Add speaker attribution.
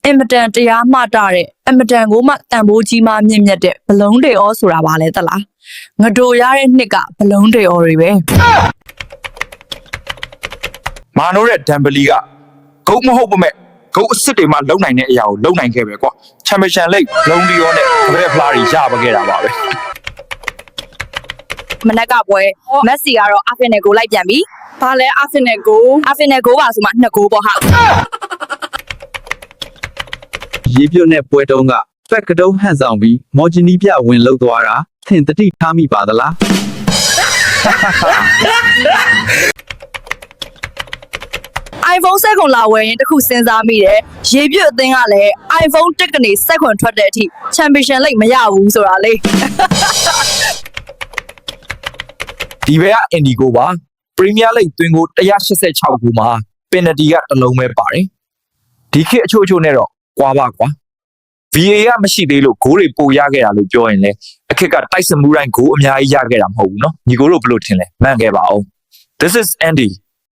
Speaker 1: အင်မတန်တရားမှတာတဲ့အင်မတန်ကိုမှတန်ဖိုးကြီးမှမြင့်မြတ်တဲ့ဘလုံးတွေဩဆိုတာပါလဲသလားငဒိုရတဲ့နှစ်ကဘလုံးတွေဩတွေပဲ
Speaker 2: မာနိုရဲ့ဒမ်ဘလီကဂုတ်မဟုတ်ပါမဲ့ဂုတ်အစ်စ်တွေမှလုံနိုင်တဲ့အရာကိုလုံနိုင်ခဲ့ပဲကွာချန်ပီယံလိဂ်လုံဒီယောနဲ့ကဘရက်ဖလာတွေရပါခဲ့တာပါပဲ
Speaker 1: မနက်ကပွဲမက်ဆီကတော့အာဖင်နယ်ကိုလိုက်ပြန်ပြီဘာလဲအာဖင်နယ်ကိုပါဆိုမှ2ဂိုးပေါ့ဟာ
Speaker 3: ရေပြုတ်နဲ့ပွဲတုံးကဖက်ကတုံးဟန်ဆောင်ပြီးမော်ဂျီနီပြဝင်လှုပ်သွားတာသင်တတိထားမိပါသလား
Speaker 1: iPhone 7ကိုလာဝယ်ရင်တခုစဉ်းစားမိတယ်ရေပြည့်အသင်းကလည်း iPhone 10ကနေ7ခွန်ထွက်တဲ့အထိ Champion League မရဘူးဆိုတာလေ
Speaker 2: ဒီဘက်က Indigo ပါ Premier League သွင်းကို186ခုမှာပင်နတီကတစ်လုံးပဲပါတယ်ဒီခေတ်အချို့နဲ့တော့ကွာပါကွာ VA ကမရှိသေးလို့ဂိုးတွေပိုရခဲ့တာလို့ပြောရင်လေအခက်ကတိုက်စမှုတိုင်းဂိုးအများကြီးရခဲ့တာမဟုတ်ဘူးเนาะညီကိုတို့ဘယ်လိုထင်လဲမှန်ခဲ့ပါအောင် This is Andy